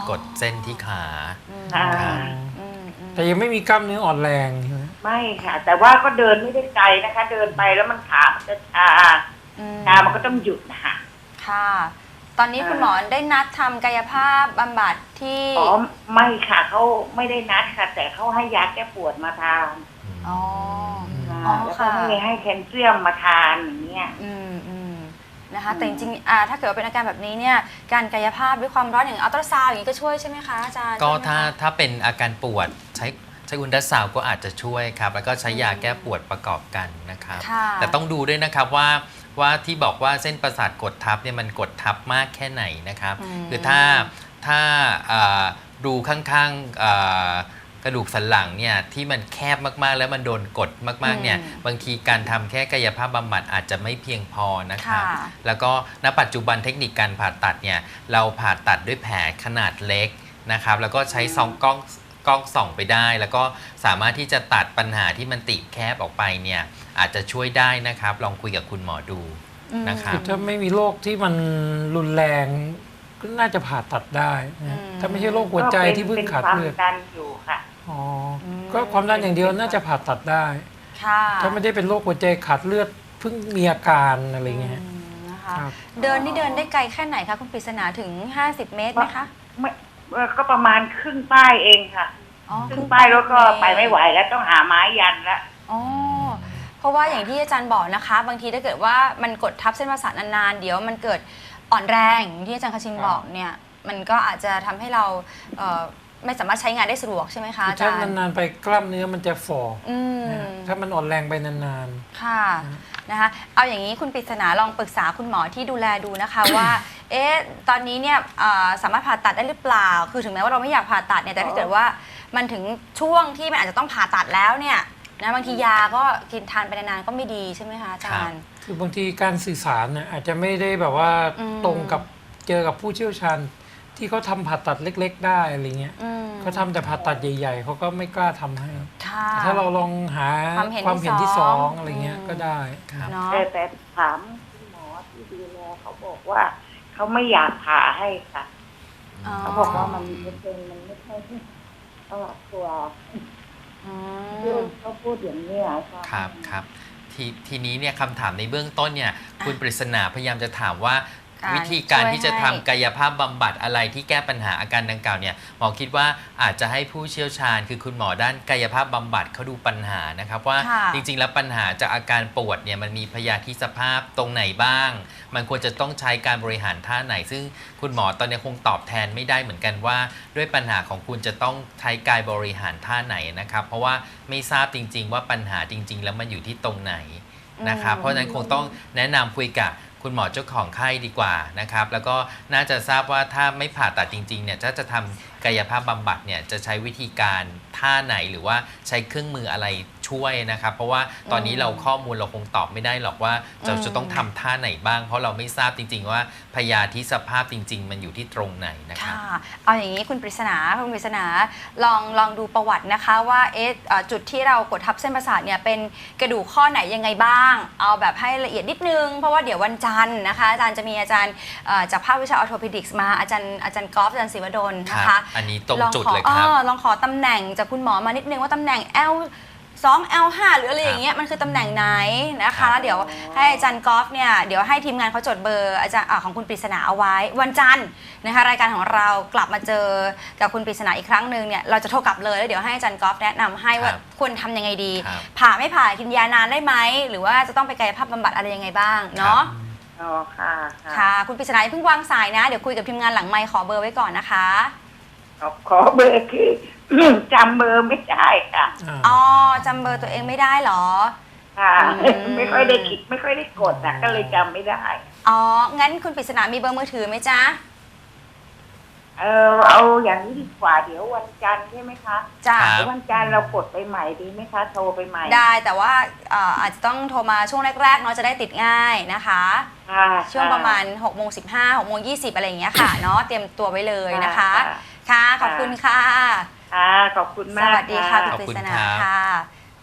Speaker 2: กดเส้นที่ขา
Speaker 1: อืม
Speaker 5: อ่า
Speaker 1: อืมอืม
Speaker 3: แต่ยังไม่มีกล้ามเนื้ออ่อนแรงใช่ไหม
Speaker 5: ไม่ค่ะ แต่ว่าก็เดินไม่ได้ไกลนะคะ เดินไปแล้วมันขามันจะชา
Speaker 1: อืม
Speaker 5: ชามันก็ต้องหยุดนะคะ
Speaker 1: ค่ะ ตอนนี้
Speaker 5: อ่า
Speaker 1: คุณหมอได้นัดทำกายภาพบำบัดที่
Speaker 5: อ๋อไม่ค่ะเขาไม่ได้นัดค่ะ แต่เขาให้ยาแก้ปวดมาทาน
Speaker 1: อ๋อ
Speaker 5: ค่ะ
Speaker 1: อ๋อ
Speaker 5: แล้วก็
Speaker 1: ค่ะ
Speaker 5: ให้ให้แคลเซียมมาทานอย่างเงี้ย
Speaker 1: อืมอืมนะคะ
Speaker 5: อืม
Speaker 1: แต่จริงๆอ่าถ้าเกิดว่าเป็นอาการแบบนี้เนี่ยการกายภาพด้วยความร้อนอย่างอัลตราซาวด์อย่างนี้ก็ช่วยใช่ไหมคะอาจารย์
Speaker 2: ก็
Speaker 1: ใช่ไหมคะ
Speaker 2: ถ้าถ้าเป็นอาการปวดใช้ใช้อุลตราซาวด์ก็อาจจะช่วยครับ แล้วก็ใช้ยาแก้ปวดประกอบกันนะครับ
Speaker 1: ค่ะ
Speaker 2: แต่ต้องดูด้วยนะครับว่าว่าที่บอกว่าเส้นประสาทกดทับเนี่ยมันกดทับมากแค่ไหนนะครับ
Speaker 1: อืม
Speaker 2: คือถ้าถ้าอ่ารูข้างๆอ่ากระดูกสันหลังเนี่ยที่มันแคบมากๆ แล้วมันโดนกดมากๆเนี่ยบางทีการทำแค่กายภาพบำบัดอาจจะไม่เพียงพอนะครับ
Speaker 1: ค่ะ
Speaker 2: แล้วก็ณปัจจุบันเทคนิคการผ่าตัดเนี่ยเราผ่าตัดด้วยแผลขนาดเล็กนะครับแล้วก็ใช้ซองกล้องกล้องส่องไปได้ แล้วก็สามารถที่จะตัดปัญหาที่มันติดแคบออกไปเนี่ยอาจจะช่วยได้นะครับลองคุยกับคุณหมอดูนะครับ
Speaker 3: ถ้าไม่มีโรคที่มันรุนแรงก็น่าจะผ่าตัดได้นะ
Speaker 1: อืม
Speaker 3: ถ้าไม่ใช่โรคหัวใจที่เพิ่งขาดเลือด
Speaker 5: เป็นความดันอยู่ค่ะ
Speaker 3: อ๋ออ
Speaker 1: ม
Speaker 3: ก็ความดันอย่างเดียวน่าจะผ่าตัดได้
Speaker 1: ค่ะ
Speaker 3: ถ้าไม่ได้เป็นโรคหัวใจขาดเลือดเพิ่งมีอาการอะไรเงี้ย
Speaker 1: อืมนะคะ
Speaker 3: ครับ
Speaker 1: เดินนี่เดินได้ไกลแค่ไหนคะคุณปริศนาถึง ห้าสิบ เมตรไหมคะ
Speaker 5: ไม่เอ่อก็ประมาณครึ่งป้ายเองค่ะ
Speaker 1: อ๋อ
Speaker 5: ครึ่งป้ายแล้วก็ไปไม่ไหวแล้วต้องหาไม้ยันแล้ว
Speaker 1: อ๋อเพราะว่าอย่างที่อาจารย์บอกนะคะ บางทีถ้าเกิดว่ามันกดทับเส้นประสาทนานๆเดี๋ยวมันเกิดอ่อนแรงอย่างที่อาจารย์คชินบอกเนี่ยมันก็อาจจะทำให้เราเอ่อไม่สามารถใช้งานได้สะดวกใช่ไหมคะอาจา
Speaker 3: ถ้าร
Speaker 1: ย์
Speaker 3: นานๆไปกล้ามเนื้อมันจะฝ่อ
Speaker 1: อืม
Speaker 3: นะถ้ามันอ่อนแรงไปนาน
Speaker 1: ค่ะนะคะเอาอย่างนี้คุณปริศนาลองปรึกษาคุณหมอที่ดูแลดูนะคะ ว่าเอ๊ะตอนนี้เนี่ยเอ่อสามารถผ่าตัดได้หรือเปล่า คือถึงแม้ว่าเราไม่อยากผ่าตัดเนี่ยแต่ถ้าเกิดว่ามันถึงช่วงที่มันอาจจะต้องผ่าตัดแล้วเนี่ยนะบางทียาก็กินทานไปนานๆก็ไม่ดีใช่ไหมคะอาจารย์
Speaker 3: ๆ คือบางทีการสื่อสารเนี่ยอาจจะไม่ได้แบบว่า
Speaker 1: อืม
Speaker 3: ตรงกับเจอกับผู้เชี่ยวชาญที่เขาทำผ่าตัดเล็ก ๆ ได้อะไรเงี้ย
Speaker 1: อืม
Speaker 3: เขาทำแต่ผ่าตัดใหญ่ ๆเขาก็ไม่กล้าทำให้
Speaker 1: ค่ะ
Speaker 3: แต่ถ้าเราลองหา
Speaker 1: ความเห็น
Speaker 3: ความเห็น
Speaker 1: ที่
Speaker 3: ที่
Speaker 1: ส
Speaker 3: ส
Speaker 1: อ
Speaker 3: อง งอะไรเงี้ย
Speaker 1: อืม
Speaker 3: ก็ได้
Speaker 1: เนาะ
Speaker 5: แต่แต่ถามคุณหมอที่ดูแลเขาบอกว่าเขาไม่อยากผ่าให้ค่ะ
Speaker 1: อ๋อ
Speaker 5: เขาบอกว่ามันไม่เป็นมันไม่ใช่เขาตัว
Speaker 1: อืม
Speaker 5: เขาพูดอย่างนี้อะค่ะ
Speaker 2: ครับครับทีทีนี้เนี่ยคำถามในเบื้องต้นเนี่ยคุณปริศนาพยายามจะถามว่า
Speaker 1: การ
Speaker 2: วิธีการ
Speaker 1: ช่วย
Speaker 2: ที่จะ
Speaker 1: ให้
Speaker 2: ทำกายภาพบำบัดอะไรที่แก้ปัญหาอาการดังกล่าวเนี่ยหมอคิดว่าอาจจะให้ผู้เชี่ยวชาญ คือคุณหมอด้านกายภาพบำบัดเขาดูปัญหานะครับว่า
Speaker 1: ค่ะ
Speaker 2: จริงๆแล้วปัญหาจากอาการปวดเนี่ยมันมีพยาธิสภาพตรงไหนบ้าง มันควรจะต้องใช้การบริหารท่าไหน ซึ่งคุณหมอตอนนี้คงตอบแทนไม่ได้เหมือนกันว่า ด้วยปัญหาของคุณจะต้องใช้กายบริหารท่าไหนนะครับเพราะว่าไม่ทราบจริง ๆ ว่าปัญหาจริง ๆ แล้วมันอยู่ที่ตรงไหนนะครับ
Speaker 1: อืม
Speaker 2: เพราะฉะนั้นคงต้องแนะนำคุยกับคุณหมอเจ้าของไข้ดีกว่านะครับแล้วก็น่าจะทราบว่าถ้าไม่ผ่าตัดจริงๆเนี่ยถ้าจะทำกายภาพบำบัดเนี่ยจะใช้วิธีการท่าไหนหรือว่าใช้เครื่องมืออะไรช่วยนะครับเพราะว่าตอนนี้เราข้อมูลเราคงตอบไม่ได้หรอกว่าเราจะต้องทำท่าไหนบ้าง เพราะเราไม่ทราบจริง ๆ ว่าพยาธิสภาพจริง ๆ มันอยู่ที่ตรงไหนนะครับ
Speaker 1: ค่ะเอาอย่างนี้คุณปริศนาคุณปริศนาลองลองดูประวัตินะคะว่าเอ๊ะเอ่อจุดที่เรากดทับเส้นประสาทเนี่ยเป็นกระดูกข้อไหนยังไงบ้าง เอาแบบให้ละเอียดนิดนึงเพราะว่าเดี๋ยววันจันทร์นะคะอาจารย์จะมีอาจารย์เอ่อจากภาควิชาออร์โทเพดิกส์มาอาจารย์อาจารย์กอล์ฟอาจารย์ศิวดลนะ
Speaker 2: ครั
Speaker 1: คะ
Speaker 2: บอันนี้ตรง
Speaker 1: ลอง
Speaker 2: จุด
Speaker 1: ขอ
Speaker 2: เลยครับ
Speaker 1: ออลองขอตำแหน่งจากคุณหมอมานิดนึงว่าตำแหน่ง L สอง แอล ห้า หรืออะไรอย่างเงี้ยมันคือตำแหน่งไหนนะ
Speaker 2: ครั
Speaker 1: คะ
Speaker 2: บ
Speaker 1: เดี๋ยวให้อาจารย์กอล์ฟเนี่ยเดี๋ยวให้ทีมงานเขาจดเบอร์อาจารย์อ่าของคุณปริศนาเอาไว้วันจันทร์นะคะรายการของเรากลับมาเจอกับคุณปริศนาอีกครั้งหนึ่งเนี่ยเราจะโทรกลับเลยแล้วเดี๋ยวให้อาจารย์กอล์ฟแนะนำให้ว่าควรทำยังไงดี
Speaker 2: ครับ
Speaker 1: ผ่าไม่ผ่ากินยานานได้ไหมหรือว่าจะต้องไปกายภาพบำบัดอะไรยังไงบ้างเนาะ
Speaker 5: อ๋อค่ะ
Speaker 1: ค่ะคุณปริศนาอย่าเพิ่งวางสายนะเดี๋ยวคุยกับทีมงานหลังไมค์ขอเบอร์ไว้ก่อนนะคะ
Speaker 5: ขอขอเบอร์คือ จำเบอร์ไม่ได้ค่ะ
Speaker 1: อ๋อจำเบอร์ตัวเองไม่ได้เหรอ
Speaker 5: ค่ะ
Speaker 1: อืม
Speaker 5: ไม่ค่อยได้คิดไม่ค่อยได้กดนะก็เลยจำไม่ได้
Speaker 1: อ๋องั้นคุณปริศนามีเบอร์มือถือไหมจ๊ะ
Speaker 5: เออเอาอย่างนี้ดีกว่าเดี๋ยววันจันทร์ใช่ไหมคะ
Speaker 1: จ้ะ
Speaker 2: ครับ
Speaker 5: เดี๋ยววันจันทร์เรากดไปใหม่ดีไหมคะ โทรไปใหม่
Speaker 1: ได้แต่ว่าเอ่ออาจจะต้องโทรมาช่วงแรกๆเนาะจะได้ติดง่ายนะคะ
Speaker 5: ค่ะ
Speaker 1: ช่วงประมาณหกโมงสิบห้า หกโมงยี่สิบอะไรอย่างเงี้ยค่ะเนาะเตรียมตัวไว้เลยนะคะ ค่ะขอบคุณค่ะ
Speaker 5: ค่ะขอบคุณ
Speaker 1: ส
Speaker 5: มาก
Speaker 1: วัสดีค่ะ
Speaker 2: ข
Speaker 1: คุณ
Speaker 2: อบ
Speaker 1: ปริ
Speaker 2: คุณ
Speaker 1: ศนา
Speaker 2: ครับ
Speaker 1: ค่ะ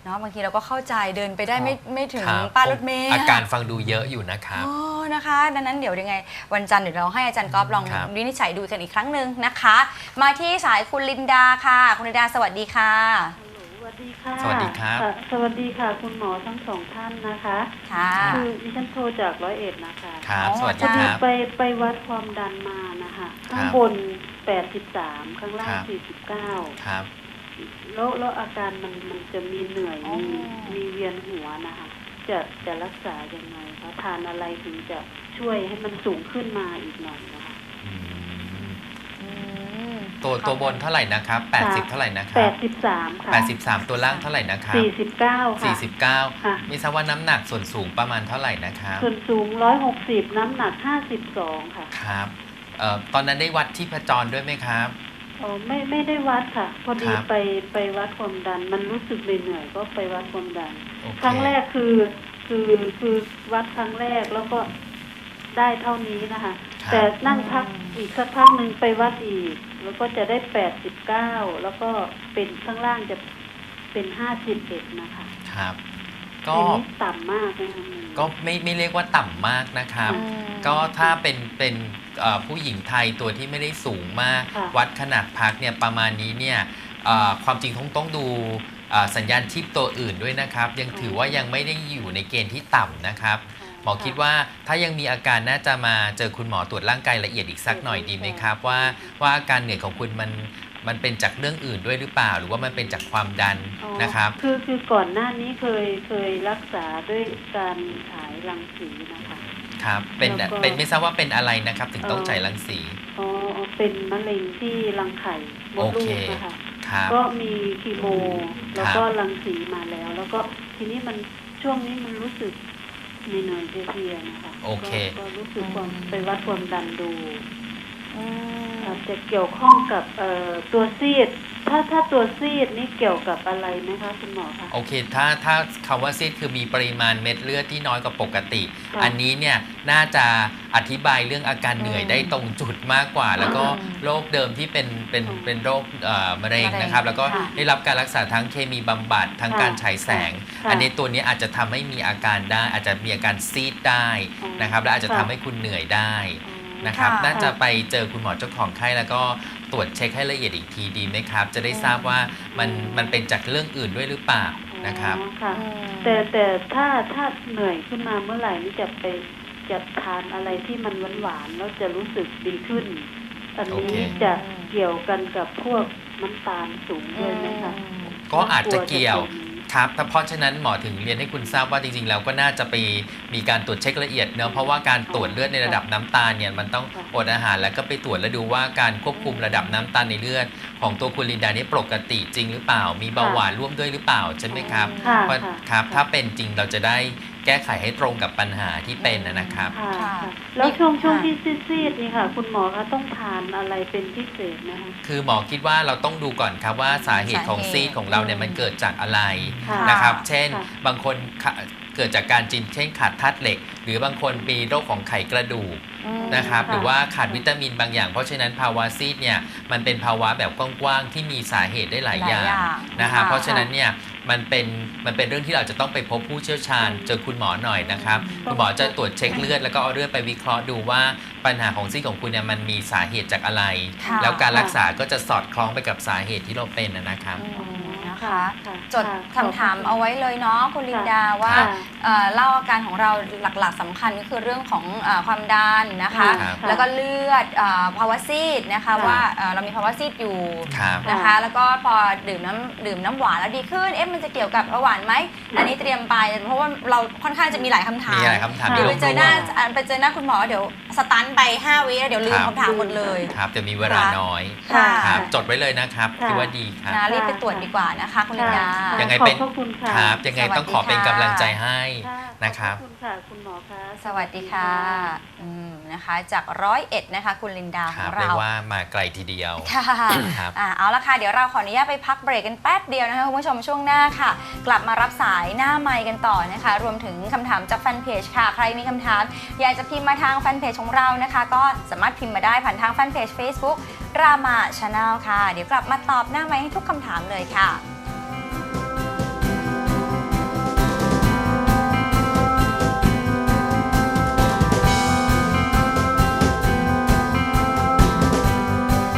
Speaker 1: เนาะบางทีเราก็เข้าใจเดินไปได้ไม่ไม่ถึง
Speaker 2: ครับ
Speaker 1: ป้ายรถเมล์
Speaker 2: อาการฟังดูเยอะอยู่นะครับ
Speaker 1: อ๋อนะคะดังนั้นเดี๋ยวยังไงวันจันทร์เดี๋ยวเราให้อาจารย์ก๊อฟลอง
Speaker 2: ครับ
Speaker 1: วินิจฉัยดูกันอีกครั้งหนึ่งนะคะ มาที่สายคุณลินดาค่ะคุณลินดาสวัสดีค่ะ
Speaker 6: สวัสดีค่ะ
Speaker 2: สวัสดีครับ
Speaker 6: ค่ะสวัสดีค่ะ คุณหมอทั้งสองท่านนะคะ
Speaker 1: ค่ะ
Speaker 6: คือดิฉันโทรจากร้อยเอ็ดนะคะ
Speaker 2: ครับ
Speaker 1: อ๋อ
Speaker 2: สวัส
Speaker 6: พ
Speaker 2: ดี
Speaker 6: อ
Speaker 2: ค
Speaker 6: ดี
Speaker 2: รับ
Speaker 6: ไปไปวัดความดันมานะคะ
Speaker 2: ครับ
Speaker 6: ข้างบนแปดสิบสามข้างล่าง
Speaker 2: ครับ
Speaker 6: สี่สิบเก้า
Speaker 2: ครับ
Speaker 6: แล้วแล้วอาการมันมันจะมีเหนื่อย
Speaker 1: อ๋อ
Speaker 6: มีมีเวียนหัวนะคะ จะจะรักษายังไงคะทานอะไรถึงจะช่วยให้มันสูงขึ้นมาอีกหน่อยนะคะ
Speaker 2: อืม
Speaker 1: อืม
Speaker 2: ตัวตัวบนเท่าไหร่นะครับแปดสิบเท่าไหร่นะค
Speaker 6: แป
Speaker 2: รับ
Speaker 6: ดสิบสามค่ะ
Speaker 2: แปดสิบสามตัวล่างเท่าไหร่นะครับ
Speaker 6: สี่สิบเก้าค่ะ
Speaker 2: สี่สิบเก้า
Speaker 6: ค่ะ
Speaker 2: ไม่ทราบว่าน้ำหนักส่วนสูงประมาณเท่าไหร่นะครับ
Speaker 6: ส่วนสูงร้อยหกสิบน้ำหนักห้าสิบสองค่ะ
Speaker 2: ครับเอ่อตอนนั้นได้วัดที่พจรด้วยไหมครับ
Speaker 6: อ๋อไม่ไม่ได้วัดค่ะ พอดี
Speaker 2: ครับ
Speaker 6: ไปไปวัดความดัน มันรู้สึกเหนื่อยๆก็ไปวัดความดัน
Speaker 2: โอเค
Speaker 6: ครั้งแรกคือคือคือวัดครั้งแรกแล้วก็ได้เท่านี้นะคะ
Speaker 2: ครับ
Speaker 6: แต่นั่งพักอีกสักพักหนึ่งไปวัดอีก แล้วก็จะได้แปดสิบเก้าแล้วก็เป็นข้างล่างจะเป็นห้าสิบเอ็ดนะคะ
Speaker 2: ครับ ก็
Speaker 6: อันนี้ต่ำมากนะคะ
Speaker 2: ก็ไม่ไม่เรียกว่าต่ำมากนะครับ
Speaker 1: อืม
Speaker 2: ก็ถ้าเป็นเป็นเอ่อผู้หญิงไทยตัวที่ไม่ได้สูงมาก
Speaker 6: ค่ะ
Speaker 2: วัดขนาดพักเนี่ยประมาณนี้เนี่ยเอ่อความจริงต้องต้องดูเอ่อสัญญาณชีพตัวอื่นด้วยนะครับ ยังถือว่ายังไม่ได้อยู่ในเกณฑ์ที่ต่ำนะครับ หมอคิดว่าถ้ายังมีอาการน่าจะมาเจอคุณหมอตรวจร่างกายละเอียดอีกสักหน่อยดีไหมครับ ว่าว่าอาการเหนื่อยของคุณมันมันเป็นจากเรื่องอื่นด้วยหรือเปล่า หรือว่ามันเป็นจากความดัน
Speaker 6: อ๋อ
Speaker 2: นะครับ
Speaker 6: คือคือก่อนหน้านี้เคยเคยรักษาด้วยการฉายรังสีนะคะ
Speaker 2: ครับเป็น
Speaker 6: แล้วก็
Speaker 2: เป็นไม่ทราบว่าเป็นอะไรนะครับ ถึงต้อง
Speaker 6: เอ่อ
Speaker 2: ฉายรังสี
Speaker 6: อ๋อเป็นมะเร็งที่รังไข่มด
Speaker 2: โอ
Speaker 6: ลู
Speaker 2: เค
Speaker 6: กนะคะ
Speaker 2: ครับ
Speaker 6: ก็มีคีโม แล้วก็
Speaker 2: ครับ
Speaker 6: รังสีมาแล้ว แล้วก็ทีนี้มันช่วงนี้มันรู้สึกเหนื่อยๆเพลียๆนะคะ
Speaker 2: โอเค
Speaker 6: ก็ก็รู้สึกความไปวัดความดันดู
Speaker 1: อืม
Speaker 6: อาจจะเกี่ยวข้องกับเอ่อตัวซีด ถ้าถ้าตัวซีดนี่เกี่ยวกับอะไรไหมคะคุณหมอคะ
Speaker 2: โอเค ถ้าถ้าคำว่าซีดคือมีปริมาณเม็ดเลือดที่น้อยกว่าปกติ
Speaker 6: ค่ะ
Speaker 2: อันนี้เนี่ยน่าจะอธิบายเรื่องอาการเหนื่อย
Speaker 1: อืม
Speaker 2: ได้ตรงจุดมากกว่า แล้วก็
Speaker 1: อืม
Speaker 2: โรคเดิมที่เป็นเป็น
Speaker 6: อืม
Speaker 2: เป็นโรคเอ่อมะเร็ง
Speaker 1: มะเร็ง
Speaker 2: นะครับ แล้วก็
Speaker 6: ค่ะ
Speaker 2: ได้รับการรักษาทั้งเคมีบำบัดทั้ง
Speaker 6: ค่ะ
Speaker 2: การฉายแสง
Speaker 6: ค่ะ
Speaker 2: อันนี้ตัวนี้อาจจะทำให้มีอาการได้ อาจจะมีอาการซีดได้
Speaker 6: อ๋อ
Speaker 2: นะครับ และอาจจะ
Speaker 6: ค่ะ
Speaker 2: ทำให้คุณเหนื่อยได้
Speaker 6: อ๋อ
Speaker 2: นะครับ
Speaker 1: ค่ะ
Speaker 2: น่าจะไปเจอคุณหมอเจ้าของไข้แล้วก็ตรวจเช็คให้ละเอียดอีกทีดีไหมครับ จะได้ทราบว่ามันมันเป็นจากเรื่องอื่นด้วยหรือเปล่านะครับ
Speaker 6: อ๋อค่ะ
Speaker 1: อืม
Speaker 6: แต่แต่ถ้าถ้าเหนื่อยขึ้นมาเมื่อไหร่นี่จะไปจะทานอะไรที่มันหวานๆแล้วจะรู้สึกดีขึ้น อัน
Speaker 2: โอ
Speaker 6: นี้
Speaker 2: เค
Speaker 6: จะเกี่ยวกันกับพวกน้ำตาลสูงด้วยไหมคะ
Speaker 2: ก็อาจจะเกี่ยว
Speaker 6: ลัจะเป็น
Speaker 2: ครับแต่เพราะฉะนั้นหมอถึงเรียนให้คุณทราบว่าจริงๆแล้วก็น่าจะไปมีการตรวจเช็คละเอียดเนอะเพราะว่าการตรวจเลือดในระดับน้ำตาลเนี่ยมันต้องอดอาหารแล้วก็ไปตรวจแล้วดูว่าการควบคุมระดับน้ำตาลในเลือดของตัวคุณลินดานี่ปกติจริงหรือเปล่า มีเบาหวานร่วมด้วยหรือเปล่าใช่ไหมครับ
Speaker 6: ค่ะ
Speaker 2: เพราะ
Speaker 6: ค่ะ
Speaker 2: ครับถ้าเป็นจริงเราจะได้แก้ไขให้ตรงกับปัญหาที่เป็นนะครับ
Speaker 6: ค่ะ
Speaker 1: ค่ะ
Speaker 6: ค่ะแล้วช่วงช่วง
Speaker 1: ค่ะ
Speaker 6: ที่ซีดๆนี่ค่ะ คุณหมอคะต้องทานอะไรเป็นพิเศษนะคะ
Speaker 2: คือหมอคิดว่าเราต้องดูก่อนครับว่าสาเหตุของ
Speaker 1: สาเหตุ
Speaker 2: ซีดของเราเนี่ยมันเกิดจากอะไร
Speaker 6: ค่ะ
Speaker 2: นะครับ เช่น
Speaker 6: ค่ะ
Speaker 2: บางคนขาเกิดจากการจินเช่นขาดธาตุเหล็ก หรือบางคนมีโรคของไขกระดูก
Speaker 1: อืม
Speaker 2: นะครับ
Speaker 6: ค่ะ
Speaker 2: หรือว่าขาดวิตามินบางอย่าง เพราะฉะนั้นภาวะซีดเนี่ยมันเป็นภาวะแบบกว้างๆที่มีสาเหตุได้หลายอย่าง
Speaker 1: หลายอย่าง
Speaker 2: นะครับ
Speaker 1: ค่ะ
Speaker 2: เพราะฉะนั้นเนี่ยมันเป็นมันเป็นเรื่องที่เราจะต้องไปพบผู้เชี่ยวชาญเจอคุณหมอหน่อยนะครับคุณหมอจะตรวจเช็คเลือดแล้วก็เอาเลือดไปวิเคราะห์ดูว่าปัญหาของซีดของคุณเนี่ยมันมีสาเหตุจากอะไร
Speaker 1: ค่ะ
Speaker 2: แล้วการรักษาก็จะสอดคล้องไปกับสาเหตุที่เราเป็นนะครับ
Speaker 1: อืมนะคะ
Speaker 6: ค่ะ
Speaker 1: จด
Speaker 6: ค่ะ
Speaker 1: คำถามเอาไว้เลยเนาะคุณลินดาว่า
Speaker 6: ค่ะ
Speaker 1: เอ่อเล่าอาการของเราหลักๆสำคัญก็คือเรื่องของเออความดันนะคะ
Speaker 2: ครับ
Speaker 1: แล้วก็เลือดเออภาวะซีดนะคะ
Speaker 6: ค่ะ
Speaker 1: ว่าเอ่อเรามีภาวะซีดอยู่
Speaker 2: ครับ
Speaker 1: นะคะ แล้วก็พอดื่มน้ำดื่มน้ำหวานแล้วดีขึ้นเอ๊ะมันจะเกี่ยวกับเบาหวานไหมอันนี้เตรียมไปเพราะว่าเราค่อนข้างจะมีหลายคำถาม
Speaker 2: มีหลายคำถาม
Speaker 1: เดี๋ยวไปเจอหน้า
Speaker 2: ร่วม
Speaker 1: อ่ะไปเจอหน้าคุณหมอเดี๋ยวสตันไปห้าวิแล้วเดี๋ยวลืม
Speaker 2: ครับ
Speaker 1: คำถามหมดเลย
Speaker 2: ครับจะมีเวลาน้อย
Speaker 1: ค่ะ
Speaker 2: ครับจดไว้เลยนะครับ
Speaker 6: ค่ะ
Speaker 2: คิดว่าดีครับ
Speaker 1: นะรีบไปตรวจดีกว่านะคะคุณลินดา
Speaker 6: ค่ะ
Speaker 2: ยังไง
Speaker 6: ขอบ
Speaker 2: เป็น
Speaker 6: พระคุณค่ะ
Speaker 2: ครับยังไงต้องขอเป็นกำลังใจให้
Speaker 6: ค่ะ
Speaker 2: นะครับ
Speaker 6: ขอบพระคุณค่ะคุณหมอคะ
Speaker 1: สวัสดีค่ะอืมนะคะจากร้อยเอ็ดนะคะคุณลินดา
Speaker 2: ค
Speaker 1: ข
Speaker 2: รั
Speaker 1: อบ ง
Speaker 2: เรีย
Speaker 1: เรา
Speaker 2: กว่ามาไกลทีเดียว
Speaker 1: ค่ะ
Speaker 2: ครับ
Speaker 1: อ่ะเอาละค่ะเดี๋ยวเราขออนุญาตไปพักเบรกกันแป๊บเดียวนะคะคุณผู้ชมช่วงหน้าค่ะ กลับมารับสายหน้าไมค์กันต่อนะคะ รวมถึงคำถามจากแฟนเพจค่ะ ใครมีคำถาม อยากจะพิมพ์มาทางแฟนเพจของเรานะคะ ก็สามารถพิมพ์มาได้ผ่านทางแฟนเพจ Facebook รามา Channel ค่ะ เดี๋ยวกลับมาตอบหน้าไมค์ให้ทุกคำถามเลยค่ะ